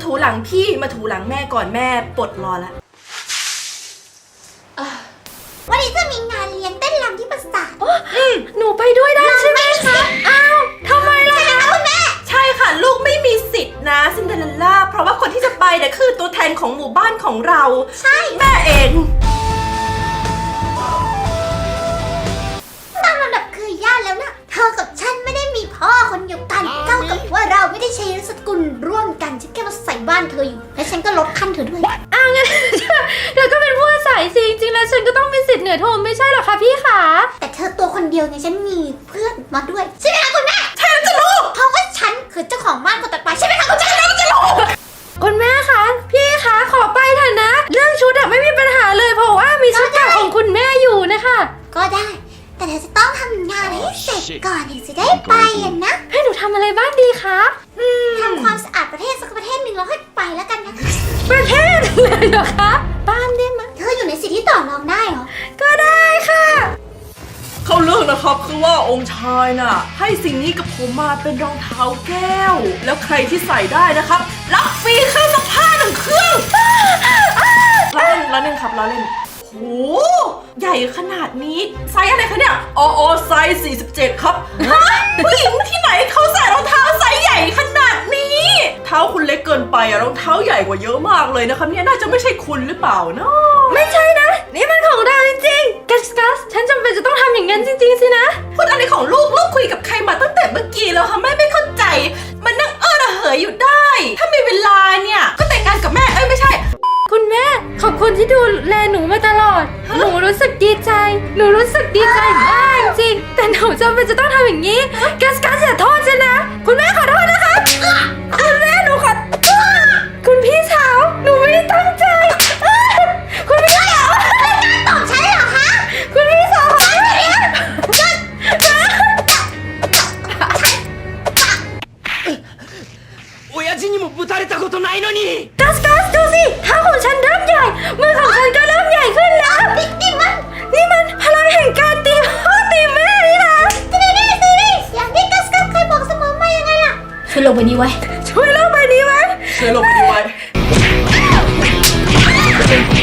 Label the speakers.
Speaker 1: ถูหลังพี่มาถูหลังแม่ก่อนแม่ปลดรอแล้ว
Speaker 2: วันนี้จะมีงานเลี้ยงเต้นรำที่ปราสาท
Speaker 1: หนูไปด้วยได้ใช่ไหมคะอ้าวทำไมล่ะคะ
Speaker 2: คุณแม่
Speaker 1: ใช่ค่ะลูกไม่มีสิทธิ์นะซินเดอเรลล่าเพราะว่าคนที่จะไปเนี่ยคือตัวแทนของหมู่บ้านของเรา
Speaker 2: ใช่
Speaker 1: แม่เอง
Speaker 2: ตามลำดับคือญาติแล้วนะเธอกับฉันไม่ได้มีพ่อคนเดียวกันเท่ากับว่าเราไม่ได้ใช้นามสกุลร่วมกันฉันแค่มาใส่บ้านเธออยู่และฉันก็ลดขั้นเธอด้วย
Speaker 3: งั้นเธอก็เป็นผู้อาศัยสิจริงๆแล้วฉันก็ต้องมีสิทธิ์เหนือโทไม่ใช่หรอคะพี่คะ
Speaker 2: แต่เธอตัวคนเดียวไงฉันมีเพื่อนมาด้วยใช่ไหมคะคุณแม่
Speaker 1: ใช่แล้วจะรู้
Speaker 2: เพราะว่าฉันคือเจ้าของบ้านคนต่อไปใช่ไหมคะคุณแม่
Speaker 1: แล้วจะรู้
Speaker 3: คุณแม่คะพี่คะขอไปเถอะนะเรื่องชุดอะไม่มีปัญหาเลยเพราะว่ามีชุดเก่าของคุณแม่อยู่นะคะ
Speaker 2: ก็ได้แต่เธอจะต้องทำงานให้เสร็จก่อนถึงจะได้ไปนะ
Speaker 3: ให้หนูทำอะไรบ้างดีคะ
Speaker 2: ทำความสะอาดประเทศสักประเทศหนึ่งแล้วค่อยไปแล้วกันนะ
Speaker 3: ประเทศเลยเหรอคะบ้านได้ไหม
Speaker 2: เธออยู่ในสิทธิที่ต่อรองได้เหรอ
Speaker 3: ก็ได้ค่ะ
Speaker 1: เขาเลือกนะครับคือว่าองค์ชายน่ะให้สิ่งนี้กับผมมาเป็นรองเท้าแก้วแล้วใครที่ใส่ได้นะครับรับฟรีเครื่องซักผ้า1 เครื่องล้อเล่นครับล้อเล่นโหใหญ่ขนาดนี้ไซส์อะไรคะเนี่ยไซส์47ครับฮะผู้หญิงที่ไหนเขาใส่รองเท้าไซส์ใหญ่ขนาดนี้เท้าคุณเล็กเกินไปอะรองเท้าใหญ่กว่าเยอะมากเลยนะครับเนี่ยน่าจะไม่ใช่คุณหรือเปล่าเนาะ
Speaker 3: ไม่ใช่นะนี่มันของเราจริงๆกัสฉันจำเป็นจะต้องทำอย่างนั้นจริงๆสินะ
Speaker 1: พูดอะไรของลูกคุยกับใครมาตั้งแต่เมื่อกี้แล้วค่ะแม่ไม่เข้าใจมันนั่งระเหยอยู่ได้ถ้ามีเวลาเนี่ยก็แต่งงานกับแม่ไม่ใช่
Speaker 3: คุณแม่ขอบคุณที่ดูแลหนูมาตลอดหนูรู้สึกดีใจหนูรู้สึกดีใจมากจริงแต่หนูจำเป็นจะต้องทำอย่างนี้กัสอย่าโทษฉันนะคุณแม่ขอโทษนะคะคุณแม่หนูขอคุณพี่สาวหนูไม่ได้ตั้งใจคุณพี่สาว
Speaker 2: ตอบฉันเหรอคะ
Speaker 3: คุณพี่สาว
Speaker 4: 親父にもぶたれたことないのに
Speaker 3: กัสดูสิเท้าของฉันเริ่มใหญ่มือของฉันก็เริ่มใหญ่ขึ้นแล้วนี่มันพลังแห่งการตีพ่อตีแม่นี่นะ
Speaker 2: สิอย่างที่กัสเคยบอกเสมอมายังไงล่ะช่วยลงไปนี้ไว้
Speaker 1: ช่วยลงไปนี้ไว้